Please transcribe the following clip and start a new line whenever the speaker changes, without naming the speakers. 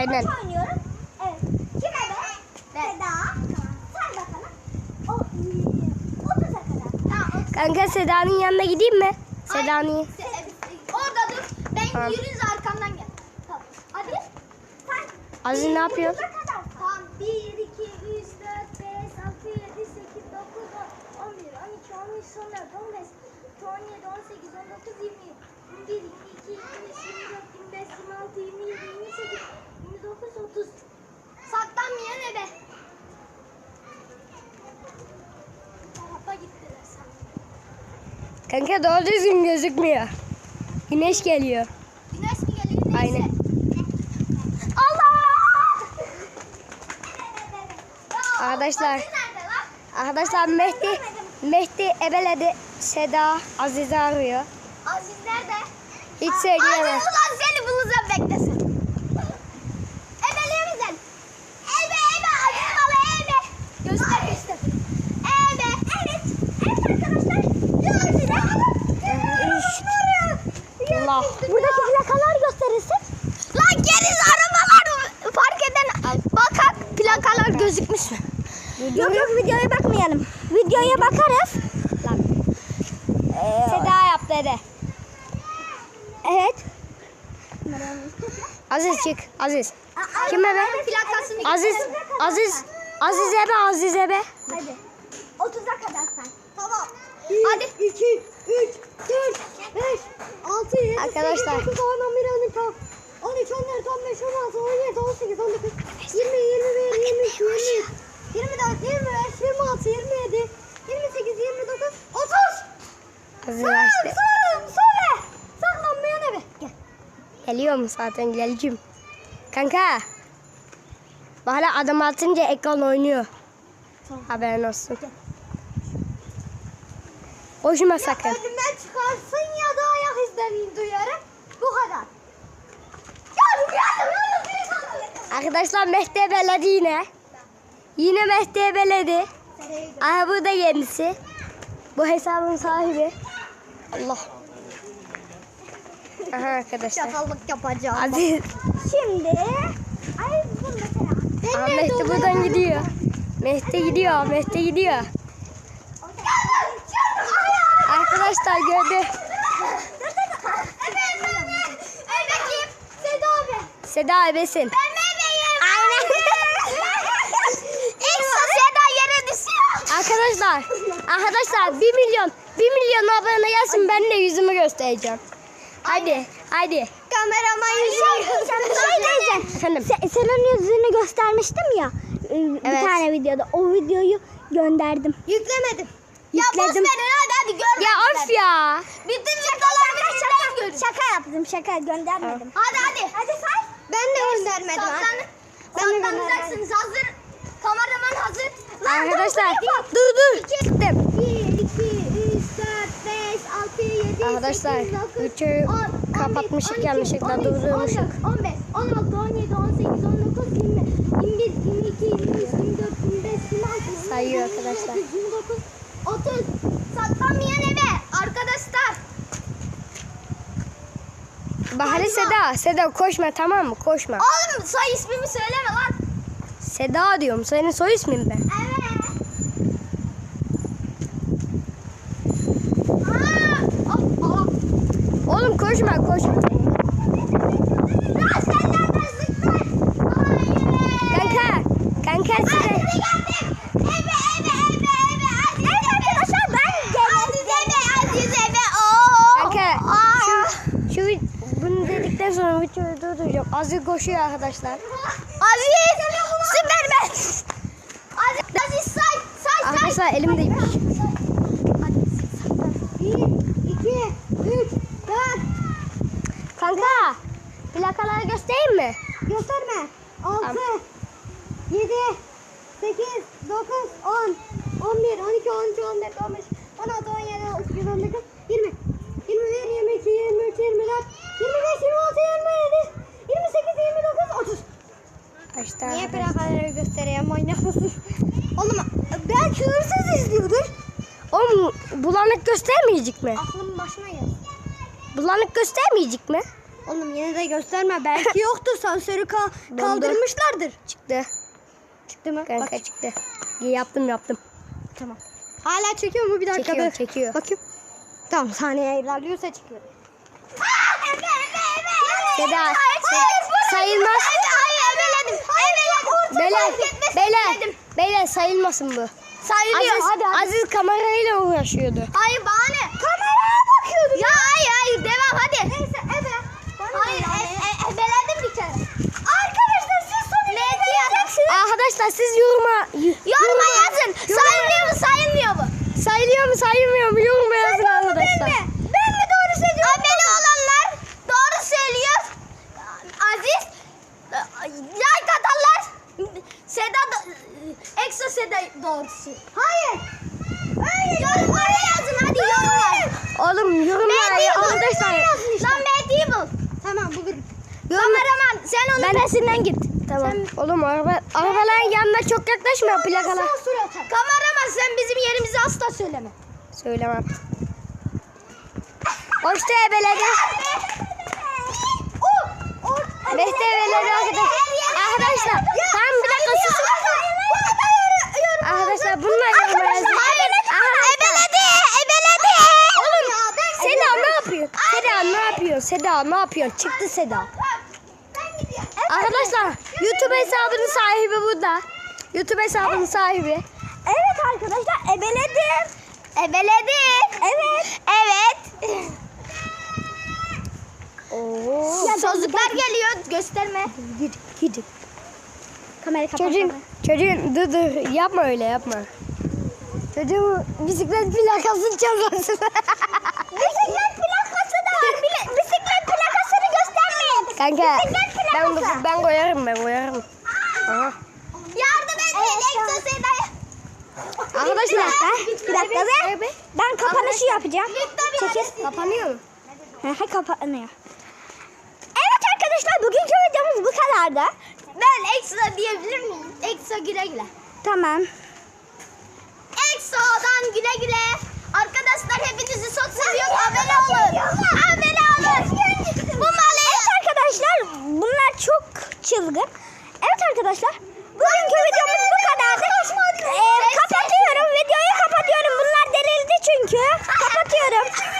Aynen.
oynuyorum. Evet. Kim ebe? Seda. Sen bakalım. O 30'a kadar. Tamam.
Kanka Seda'nın yanına gideyim mi? Seda'nın.
Orada dur. Ben
Tamam.
yürüyünce arkamdan gel. Tamam. Hadi. Sen.
Aziz ne yapıyor?
30'a kadar. Tamam. 1, 2, 3, 4, 5, 6, 7, 8, 9, 10, 11, 12, 13, 14, 15, 17, 18, 19, 20, 21, 22, 23, 24, 25, 26, 27, 28, 29, 30. Saklanmayan ebe. Tarafa gittiler sen.
Kanka doğru düzgün gözükmüyor. Güneş geliyor.
Güneş mi geliyor? Neyse.
Aynen.
Allah!
Arkadaşlar.
Nerede lan?
Arkadaşlar Mehdi ebeledi. Seda Aziz'i arıyor.
Aziz nerede?
Hiç söyleyemem.
Aziz ulan seni bulacağım beklesin. Ebeliyor musun? Ebe Aziz bana ebe. Göster. Ebe. Evet. Evet arkadaşlar. Diyorum size.
Allah.
Buradaki plakalar gösterirsin. Lan geriz arabalar fark eden. Bakak plakalar gözükmüş mü? Yok videoya bakmayalım. Videoya bakarız.
Seda yap dedi.
Evet.
Aziz çık. Aziz. Kim ebe?
Plakasını
Aziz ebe.
Hadi. 30'a kadar sen. Tamam. Hadi. 2, 3, 4, 5, 6, 7,
Arkadaşlar.
8, 9, 10, 11, 12, 13, 14, 15, 16, 17, 18, 19, 20, 21, 22, 23, 24, 25, 26, 27, 28, 29, 30.
Aziz açtı.
Söyle. Saklanmayan ebe. Gel.
Geliyorum zaten geleceğim. Kanka. Bana adım atınca ekran oynuyor.
Tamam.
Haberin olsun. Koşma sakın.
Önüme çıkarsın ya da ayak izlerini duyarım. Bu kadar. Gel.
Arkadaşlar Mehdi ebeledi yine. Yine Mehdi ebeledi. Aha bu da kendisi. Bu hesabın sahibi. Allah. Aha arkadaşlar.
Çakallık yapacağım.
Aziz.
Şimdi. Ay bu mesela.
Aha, Mehdi buradan gidiyor. Mehdi gidiyor. Arkadaşlar gördü. Seda ebesin. Aynen. Arkadaşlar 1 milyon abone gelsin, ben de yüzümü göstereceğim. Hadi.
Kameraman yüzünü.
Efendim.
Senin yüzünü göstermiştim ya. Bir
Evet.
tane videoda. O videoyu gönderdim. Yüklemedim. Ya boş
Yükledim.
verin hadi görmemişler.
Ya of ya.
Bütün videolarını şaka yaptım göndermedim. Hadi. Hadi say. Ben de göndermedim. Saklanacaksınız hazır. Kameraman hazır.
Arkadaşlar dur. Gittim.
1, 2, 3, 4, 5, 6, 7,
Arkadaşlar
8, 9,
videoyu
10,
kapatmışık
12,
yanlışlıkla
13,
durdurmuşuk.
14, 15, 16, 17, 18, 19, 20, 21, 22, 23, 24, 25, 26,
Sayıyor arkadaşlar.
29, 30. Saklanmayan ebe arkadaşlar.
Bahane Seda koşma, tamam mı? Koşma.
Oğlum soy ismimi söyleme lan.
Seda diyorum. Senin soy ismin ben.
Evet.
Oğlum koşma. Kanka size. Kanka şu bunu dedikten sonra videoyu durduracağım. Aziz koşuyor arkadaşlar.
Süpermen. Aziz say.
Arkadaşlar elimdeymiş.
1, 2, 3, 4.
Kanka plakaları göstereyim mi?
Gösterme. 6,
Tamam.
7, 8, 9, 10, 11, 12, 13, 14, 15, 16, 17, 18, 19, 20, 21, 22, 23, 24, 25, 26, 27, 28, 29, 30.
Kaçta?
Niye plakaları göstereyim, manyak mısın? Oğlum belki hırsız izliyordur.
Oğlum bulanık göstermeyecek mi?
Aklım başına geldi.
Bulanık göstermeyecek mi?
Oğlum yine de gösterme. Belki yoktur. Sansörü kaldırmışlardır.
Çıktı.
Çıktı mı?
Kanka
Bak.
çıktı. Yaptım.
Tamam. Hala çekiyor mu? Bir dakika.
Çekiyor,
dur.
çekiyor.
Bakayım. Tamam, saniye ilerliyorsa çıkıyor.
Seda sayılmaz. Beyler sayılmasın bu.
Sayılıyor.
Aziz kamerayla uğraşıyordu.
Hayır, bana ne? Kameraya bakıyordum. Ya hayır, devam hadi. Neyse, Hayır, ebeledim bir kere. Arkadaşlar siz sonucu vereceksiniz.
Arkadaşlar siz yoruma
yazın. Sayılıyor mu, sayılmıyor mu?
sayılıyor mu sayılmıyor mu yoruma yazın arkadaşlar.
Ben mi doğru söylüyorum? Abone olanlar doğru söylüyor. Aziz like atanlar Exo Seda doğrusu. Hayır. Yorumlara yazın hadi yorumlara.
Oğlum yorumlara arkadaşlar.
Lan Medieval. Tamam bu grup. Kameraman sen onun peşinden git.
Tamam. Oğlum arabaların yanına çok yaklaşma plakalar.
Kameraman sen bizim yerimizi asla söyleme.
Söylemem. Hoşça ebeledi. Mehdi ebeledi arkadaşlar. Tamam bir dakika susun. Arkadaşlar bunlar yoruma yazın.
Ebeledi.
Oğlum Seda ne yapıyorsun? Çıktı Seda. Arkadaşlar YouTube hesabının sahibi burada. YouTube hesabının sahibi.
Evet arkadaşlar ebeledim. Evet.
Oo.
Sözlükler geliyor gösterme.
Gidin.
Kamerayı kapat.
Çocuğun dur yapma öyle yapma. Çocuğun bisiklet plakasını çalmasın.
Bisiklet plakası da var. Bisiklet plakasını göstermeyin.
Kanka
Bisiklet plakası.
ben koyarım. Aha.
Yardım edin Exo Seda'ya.
Arkadaşlar
Bir dakika be. Ben kapanışı yapacağım. Çekil.
kapanıyor mu?
Kapanıyor. Evet arkadaşlar bugünkü videomuz bu kadardı. Ben Exo diyebilir miyim? Exo güle güle. Tamam. Exo'dan güle güle. Arkadaşlar hepinizi çok seviyorum. Abone olun. Bu malı. Evet arkadaşlar bunlar çok çılgın. Evet arkadaşlar